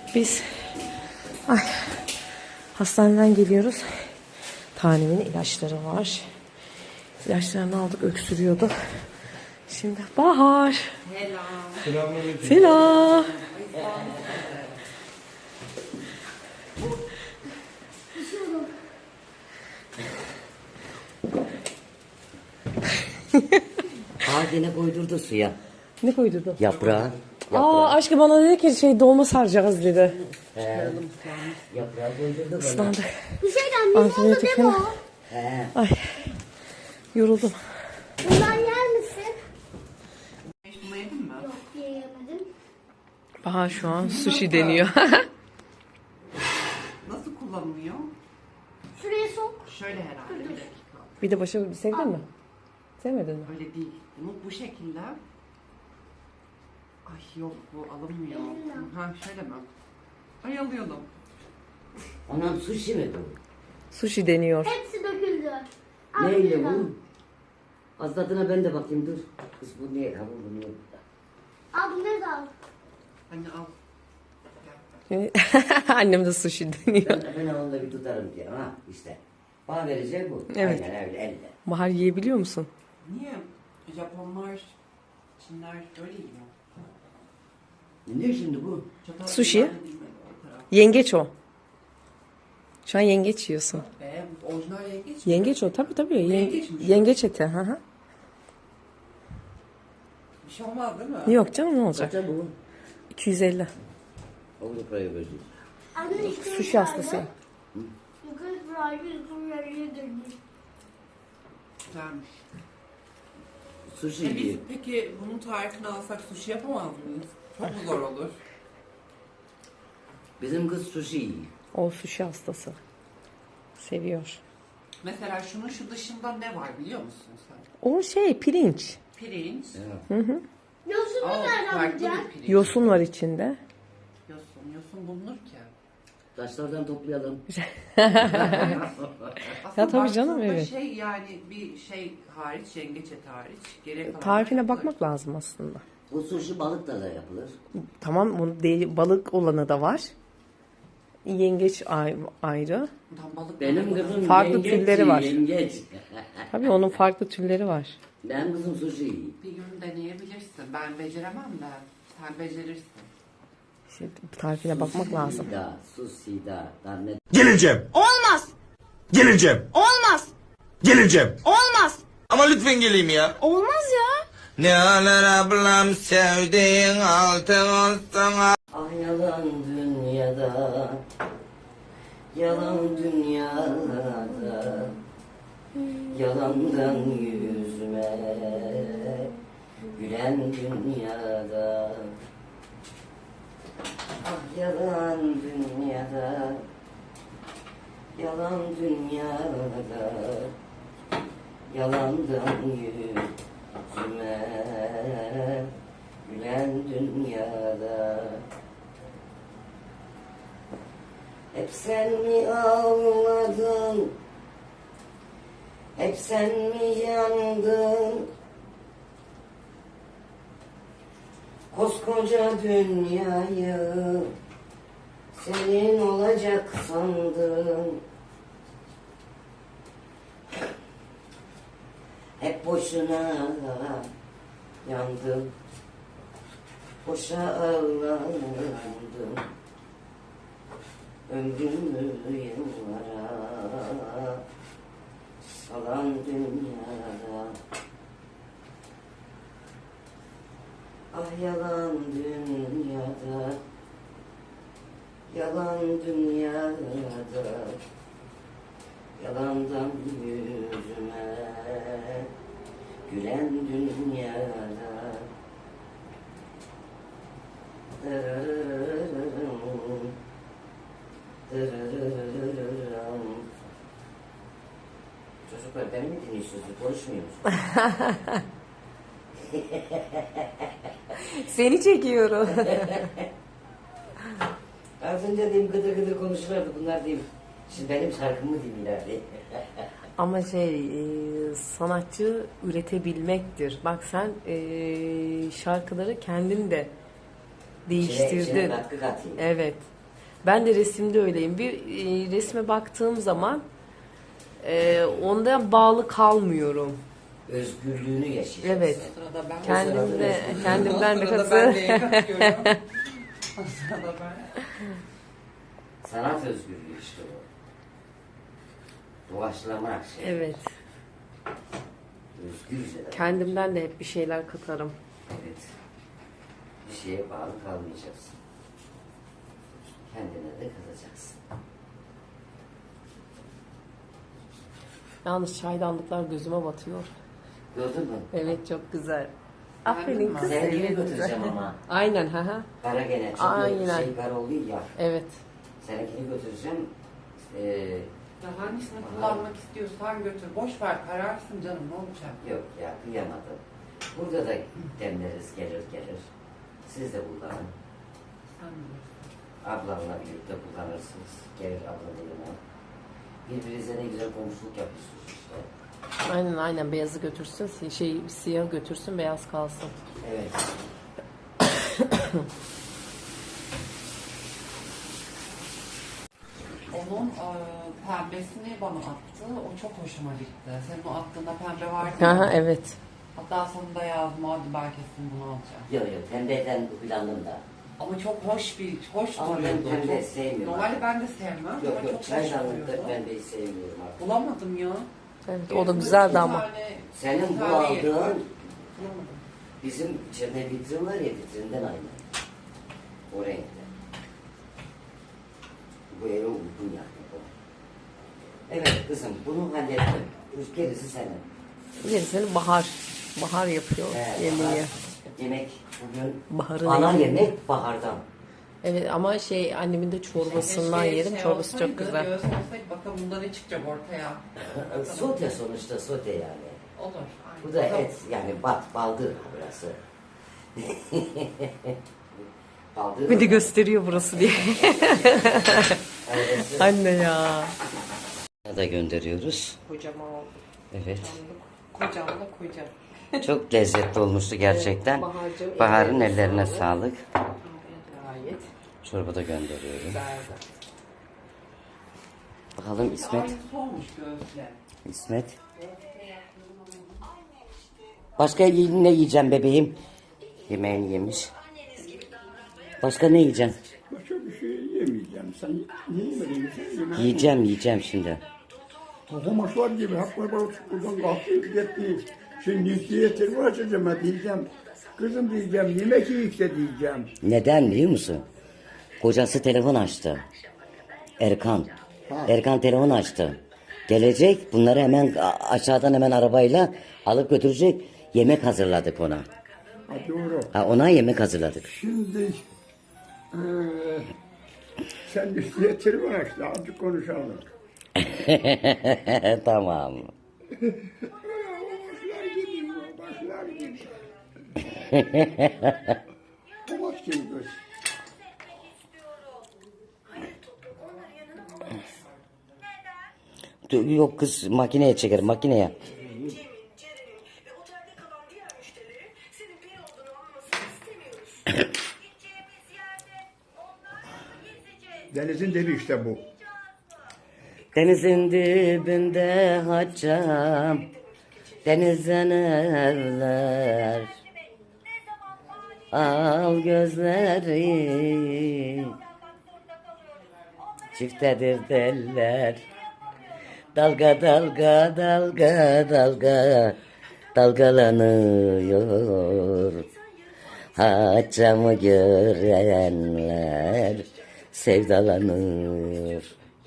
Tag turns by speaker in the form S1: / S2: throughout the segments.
S1: Biz hastaneden geliyoruz. Tanemin ilaçları var. İlaçlarını aldık, öksürüyordu. Şimdi Bahar.
S2: Selam.
S1: Selam.
S3: Gene koydurdu suya.
S1: Ne koydurdu?
S3: Yaprağı.
S1: Aşkım bana dedi ki dolma saracağız dedi.
S3: Yaprağı koydurdu bana.
S1: Islandık.
S4: Bu şeyden bir oldu
S1: Antibiyotik
S4: değil mi
S1: falan.
S4: o?
S1: Ay. Yoruldum.
S4: Bundan yer misin?
S2: Bunu yedin mi?
S4: Yok yiyemedim.
S1: Bahar şu an sushi deniyor.
S2: Nasıl kullanılıyor?
S4: Şuraya sok.
S2: Şöyle herhalde. Bir dakika.
S1: Bir de başa sevdin mi? Sevmedin mi?
S2: Öyle değil. Bunu bu şekilde. Ay yok bu alınmıyor. Ha şöyle mi? Ay alıyorum.
S3: Anam sushi mi bu?
S1: Sushi deniyor.
S4: Hepsi döküldü. Al
S3: Neyle
S4: bir
S3: bu? Az tadına ben de bakayım dur. Kız bu niye? Ha bu niye?
S4: Al bunları da al.
S2: Anne al.
S1: Annem de sushi deniyor.
S3: Ben onu da bir tutarım diye. Ha işte. Bana vereceğim bu.
S1: Evet.
S3: Aynen öyle elle.
S1: Bahar yiyebiliyor musun?
S2: Niye? Japonlar, Çinler böyle yiyor.
S3: Ne şimdi bu?
S2: Çatal
S1: Sushi.
S2: kullandı bilmedi o taraf.
S1: Yengeç o. Şu an yengeç yiyorsun.
S2: Orijinal yengeç mi?
S1: Yengeç o tabii.
S2: Yengeç mi?
S1: Yengeç eti. Hı hı.
S2: Bir şey olmaz değil mi?
S1: Yok canım ne olacak?
S3: Kaça bu?
S1: 250.
S3: Avrupa'ya gözü.
S4: Anne işte
S1: Sushi hastasıyım.
S4: yukarı burayı yukarı dönüyor.
S2: Güzelmiş.
S3: Sushi
S2: Biz
S3: yiyor.
S2: peki bunun tarifini alsak sushi yapamaz mıyız? Çok mu zor olur?
S3: Bizim kız sushi yiyor.
S1: O sushi hastası. Seviyor.
S2: Mesela şunun şu dışında ne var biliyor musun sen?
S1: O pirinç.
S2: Pirinç.
S4: Yosunu nereden
S2: Farklı
S4: bulacaksın?
S2: bir pirinç.
S1: Yosun var içinde.
S2: Yosun bulunur ki.
S3: Taşlardan toplayalım.
S2: Aslında
S1: tabii canım,
S2: baktığında
S1: evet.
S2: Yani bir şey hariç, yengeç eti hariç. Geriye kalan
S1: Tarifine
S2: yapılır.
S1: bakmak lazım aslında.
S3: Bu sushi balıkla da yapılır.
S1: Tamam bunun balık olanı da var. Yengeç ayrı.
S2: Tam balık
S3: Benim
S2: balığı.
S3: kızım
S1: Farklı
S3: yengeç
S1: türleri
S3: yiyor,
S1: var.
S3: Yengeç.
S1: Tabii onun farklı türleri var.
S3: Benim kızım sushi yiyor.
S2: Bir gün deneyebilirsin. Ben beceremem de. Sen becerirsin.
S1: İşte tarifine bakmak lazım.
S3: Sushi da ne?
S5: Geleceğim.
S4: Olmaz.
S5: Geleceğim.
S4: Olmaz.
S5: Geleceğim.
S4: Olmaz.
S5: Ama lütfen geleyim ya.
S4: Olmaz ya.
S5: Ne alır ablam sevdiğin altın olsun.
S3: Ah yalan dünyada, yalan dünyada, yalandan yüzüme gülen dünyada. Ah yalan dünyada, yalan dünyada, yalandan yüzüme gülen dünyada. Hep sen mi ağladın, hep sen mi yandın? Koskoca dünyayı senin olacak sandın. Hep boşuna yandım, boşa ağlandım. Ömrümü yıllara salan dünyada. Ah yalan dünyada, yalan dünyada, yalandan yüzüme gülen dünyada. Çocuklar beni mi dinliyorsunuz? Konuşmuyor musunuz?
S1: Seni çekiyorum.
S3: Az önce diyeyim gıdır gıdır konuşurlardı bunlar diyeyim. Şimdi benim şarkımı dinlerdi.
S1: Ama sanatçı üretebilmektir. Bak sen şarkıları kendin de değiştirdin.
S3: İçine katkı katayım.
S1: Evet. Ben de resimde öyleyim. Bir resme baktığım zaman ondan bağlı kalmıyorum.
S3: Özgürlüğünü yaşayacaksın.
S1: Evet.
S2: Sırada ben.
S1: Kendimden
S2: Sırada
S1: nefes
S2: ben de yapıyorum. Sırada ben.
S3: Sanat özgürlüğü işte o. Doğaçlamak şey.
S1: Evet.
S3: Özgürce de.
S1: Kendimden de hep bir şeyler katarım.
S3: Evet. Bir şeye bağlı kalmayacaksın. Kendine de kalacaksın.
S1: Yalnız çaydanlıklar gözüme batıyor.
S3: Gördün mü?
S1: Evet, çok güzel.
S2: Beğendin
S1: Aferin
S2: mi?
S1: kız.
S3: Seninkini
S1: Evet,
S3: götüreceğim
S1: güzel.
S3: ama.
S1: Aynen, ha.
S3: Kara gene. Çünkü
S1: Aynen.
S3: şey kara oluyor ya.
S1: Evet.
S3: Seninkini götüreceğim.
S2: Ya hangisini kullanmak istiyorsan götür. Boş ver, kararsın canım, ne olacak?
S3: Yok ya, kıyamadım. Burada da demleriz gelir. Siz de kullanın.
S2: Sen bilirsin.
S3: Ablamla birlikte kullanırsınız. Gelir abla yanına. Birbirinize ne güzel komşuluk yapıyorsunuz işte.
S1: Aynen, beyazı götürsün, siyah götürsün, beyaz kalsın.
S3: Evet.
S2: Onun pembesini bana attı. O çok hoşuma gitti. Senin o attığında pembe vardı
S1: Aha,
S2: ya.
S1: evet.
S2: Hatta sonunda yazdım, hadi ben kesin bunu alacağım.
S3: Yok, pembeden planım da.
S2: Ama çok hoş
S3: Ama ben
S2: duruyordu.
S3: pembe
S2: Çok-
S3: sevmiyorum.
S2: Normalde ben de sevmem.
S3: Yok,
S2: ama çok hoş
S3: çaydanlıkta
S2: duruyordu.
S3: pembeyi sevmiyorum artık.
S2: Bulamadım ya.
S1: Evet, o da güzeldi ama.
S3: Senin
S2: bir
S3: bu
S2: tane
S3: aldığın
S2: bulamadım.
S3: bizim içeride vitrin var ya, vitrinden aynı. O renkte. Bu eve uygun yani bu. Evet kızım, bunu hallettim. Gerisi senin.
S1: Gerisini Bahar yapıyor yemeği.
S3: Bahar, yemek bugün
S1: Baharın
S3: ana
S1: yemeği.
S3: yemek bahardan.
S1: Evet, ama annemin de çorbasından
S2: Keşke
S1: yerim. Çorbası
S2: olsaydı,
S1: çok güzel.
S2: Göğüs olsaydı bakalım bunda ne çıkacak ortaya.
S3: Sote sonuçta, sote yani.
S2: Olur. Aynen.
S3: Bu da
S2: Tamam.
S3: et yani, baldır burası. Baldır.
S1: Bir de gösteriyor burası diye.
S3: Evet.
S1: Anne ya.
S3: Da gönderiyoruz.
S1: Kocaman oldu.
S3: Evet.
S1: Kocaman da koca.
S3: Çok lezzetli olmuştu gerçekten.
S1: Evet, Bahar'cığım,
S3: Bahar'ın
S1: ellerine
S3: ellerine
S1: sağlık.
S3: sağlık.
S1: Gayet
S3: Çorba da gönderiyorum.
S1: güzeldi.
S3: Bakalım İsmet.
S2: Aynısı olmuş göğüsle.
S3: İsmet. Başka ne yiyeceğim bebeğim? Yemeğini yemiş. Başka ne yiyeceğim?
S6: Başka bir şey yemeyeceğim. Sen yiyemedin mi? Sen yemeğini
S3: Yiyeceğim şimdi.
S6: Tokumaşlar gibi hep böyle buradan kalkıp gitti. Şimdi diyetimi açacağım ha diyeceğim. Kızım diyeceğim, yemek yiyikse diyeceğim.
S3: Neden biliyor musun? Kocası telefon açtı. Erkan. Erkan telefon açtı. Gelecek, bunları hemen aşağıdan hemen arabayla alıp götürecek. Yemek hazırladık ona.
S6: Ha, doğru.
S3: Ona yemek hazırladık.
S6: Şimdi sen diyetimi açtı, azıcık konuşalım.
S3: Tamam.
S6: Başlar gidiyor. Tomat gibi göz.
S3: Yok kız, makineye çeker, makineye.
S6: Denizin dibi işte bu.
S3: Denizin dibinde haccam, denizden evler. Al gözleri, çiftedir deller. Dalga dalga dalga dalga dalgalanıyor. Haccamı görenler sevdalanır.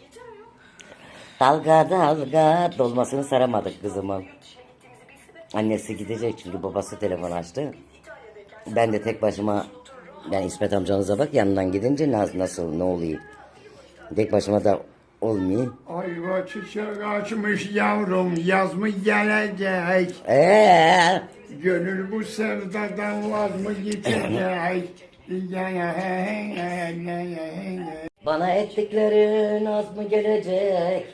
S3: Dalga dalga dolmasını saramadık kızımın. Annesi gidecek çünkü babası telefon açtı. Ben de tek başıma, yani İsmet amcanıza bak, yanından gidince nasıl ne oluyor? Tek başıma da olmuyor.
S6: Ayva çiçek açmış yavrum, yaz mı gelecek? Gönül bu sevdadan vaz mı geçecek?
S3: Bana ettiklerin az mı gelecek?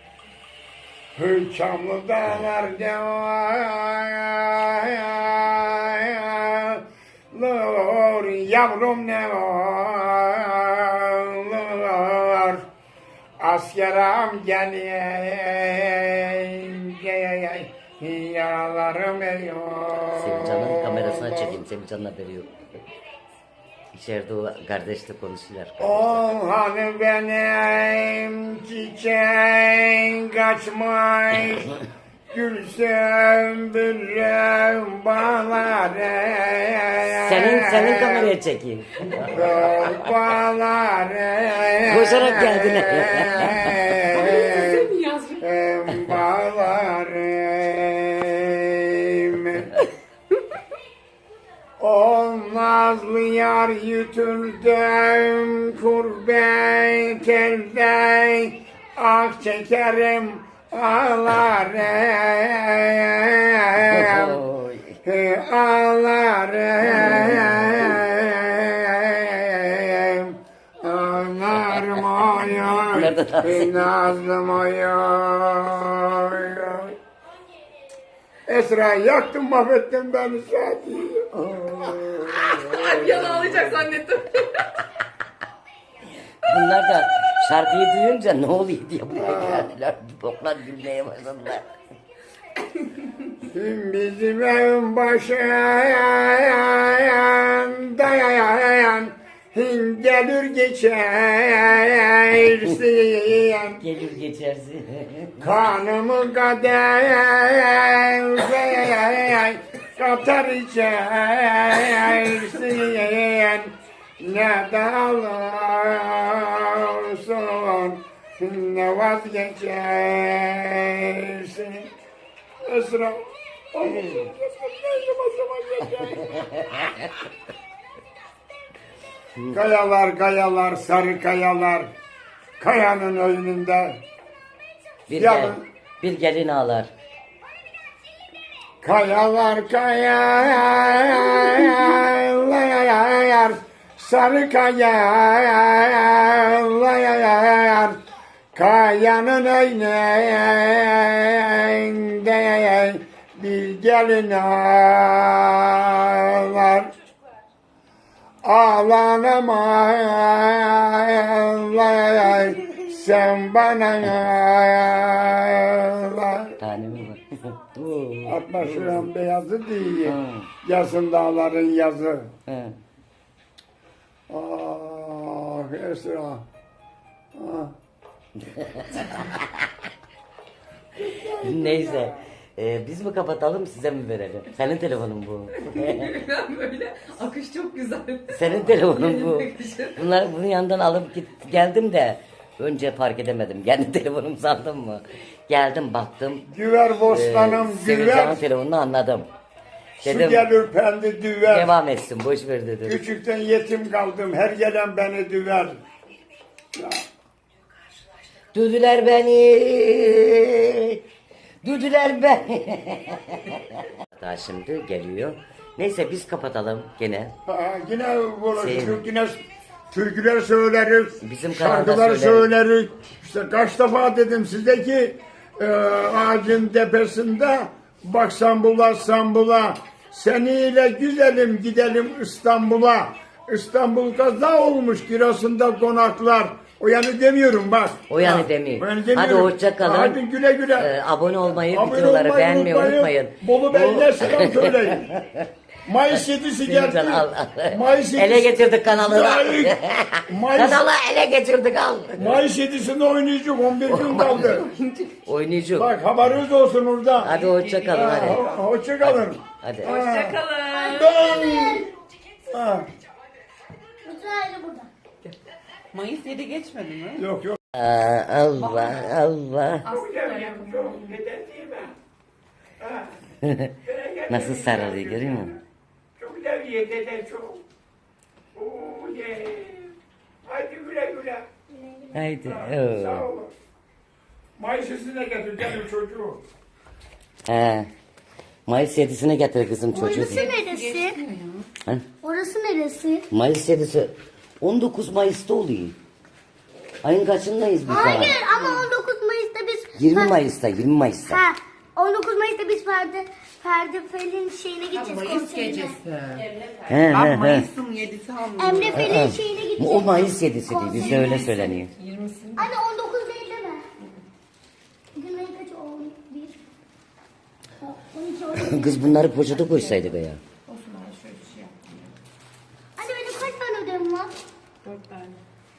S6: Çamlı dağlar yavrum ne var? Askeram gelince yaralarım eriyor.
S3: Sevcan'ın kamerasına çekeyim. Sevcan'ın haberi yok. İçeride o kardeşle konuşuyorlar.
S6: Oh hani benim çiçeğim kaçmış, gülsem bülüm bağları.
S3: Senin kameraya çekeyim.
S6: Bağları.
S3: Koşarak geldin.
S6: Bağlarım. O nazlı yar yütürdüm kurbet elde, ah çekerim ağlarım.
S3: Oy.
S6: Ağlarım, ağlarım oy
S3: Nerede dans ediyor?
S6: nazlım oy. Esra yaktın mahvettin beni Sadi.
S1: Bir an ağlayacak zannettim.
S3: Bunlar da şarkıyı duyunca ne oluyor diye buraya geldiler. Boklar gülmeye başladılar.
S6: Bizim evin başında gelir geçersin.
S3: Gelir geçersin.
S6: Kanımı kader katar içersin. Ne de alırsun ne vazgeçersin. Esra. Kayalar kayalar sarı kayalar kayanın önünde
S3: Bir gelin ağlar.
S6: kayalar kayalar sarı kayalar kayanın önünde bir gelin ağlar. Ağlanamay sen bana ağlar.
S3: Tane mi var? Oo.
S6: Atma şuran beyazı değil.
S3: Ha.
S6: Yazın dağların yazı.
S3: He.
S6: Ah Esra. Ah.
S3: Neyse. Biz mi kapatalım size mi verelim? Senin telefonun bu.
S1: Ben böyle akış çok güzel.
S3: Senin telefonun bu. Bunun yanından alıp geldim de önce fark edemedim. Kendi telefonum sandım mı? Geldim baktım.
S6: Güver bostanım güver.
S3: Sevcan'ın telefonunu anladım.
S6: Su
S3: Dedim
S6: gelir pendi düver.
S3: devam etsin boş ver dedim.
S6: Küçükten yetim kaldım. Her gelen beni düver. Ya.
S3: Düdüler beni. Düdüler beni. Daha şimdi geliyor. Neyse biz kapatalım gene.
S6: Ha, yine konuşuruz,
S3: Sevim.
S6: yine türküler söyleriz,
S3: Bizim kanalda
S6: şarkılar
S3: söyleriz.
S6: söyleriz. İşte kaç defa dedim size ki ağacın tepesinde bak İstanbul'a, seninle güzelim gidelim İstanbul'a. İstanbul kaza olmuş Giresun'da konaklar. O yanı demiyorum bak.
S3: O yanı
S6: Ha,
S3: demeyeyim.
S6: o yanı
S3: Hadi
S6: demiyorum.
S3: hoşça kalın.
S6: Hadi güle güle.
S3: Abone olmayı,
S6: Abone
S3: videoları
S6: olmayı
S3: beğenmeyi unutmayın.
S6: Bolu Bey'le selam söyleyin. Mayıs 7'si geldi.
S3: Sevcan al.
S6: Mayıs 7'si.
S3: Ele getirdik kanalı.
S6: Mayıs,
S3: Kanalı ele getirdik al.
S6: Mayıs 7'sinde oynayacak 11 gün kaldı.
S3: Oynayacak.
S6: Bak haberiniz olsun orada.
S3: Hadi hoşça kalın hadi.
S6: Hoşça kalın.
S3: Hadi.
S1: Hoşçakalın.
S6: Ha.
S4: Mutlu burada.
S2: Mayıs 7 geçmedi mi?
S6: Yok yok.
S3: Allah Allah. Nasıl sarılıyor görüyor musun?
S6: Çok güzel ye dede çok. Oo ye. Hadi güle güle.
S3: Haydi.
S6: Sağ olun. Mayıs 7'sine getireceğim çocuğu.
S3: He. Mayıs 7'sine getir kızım çocuğu.
S4: Orası neresi?
S3: Ha?
S4: Orası neresi?
S3: Mayıs 7'si 19 Mayıs'ta oluyor. Ayın kaçındayız biz daha?
S4: Hayır ama 19 Mayıs'ta biz...
S3: 20 Mayıs'ta, 20 Mayıs'ta.
S4: Ha, 19 Mayıs'ta biz Ferdi Fel'in şeyine gideceğiz.
S2: Mayıs
S4: konserine.
S2: gecesi.
S3: He
S2: Ben
S3: he he.
S2: Mayıs'ın 7'si anlıyorum.
S4: Emre Fel'in şeyine gideceğiz.
S3: O Mayıs 7'si değil, bizde öyle söyleniyor.
S4: Hani 19 Eylül
S3: Kız bunları poşete koysaydık ya.
S1: Olsun ben şöyle bir şey yaptım.
S4: Anne benim kaç tane ödevim var?
S1: 4 tane.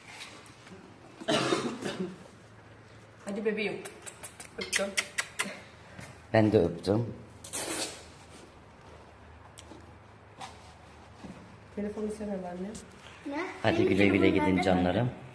S1: Hadi bebeğim. Öptüm.
S3: Ben de öptüm.
S1: Telefonu istemem anne.
S4: Ne?
S3: Hadi
S4: Benim
S3: güle güle
S4: telefonum
S3: gidin
S4: nerede?
S3: canlarım.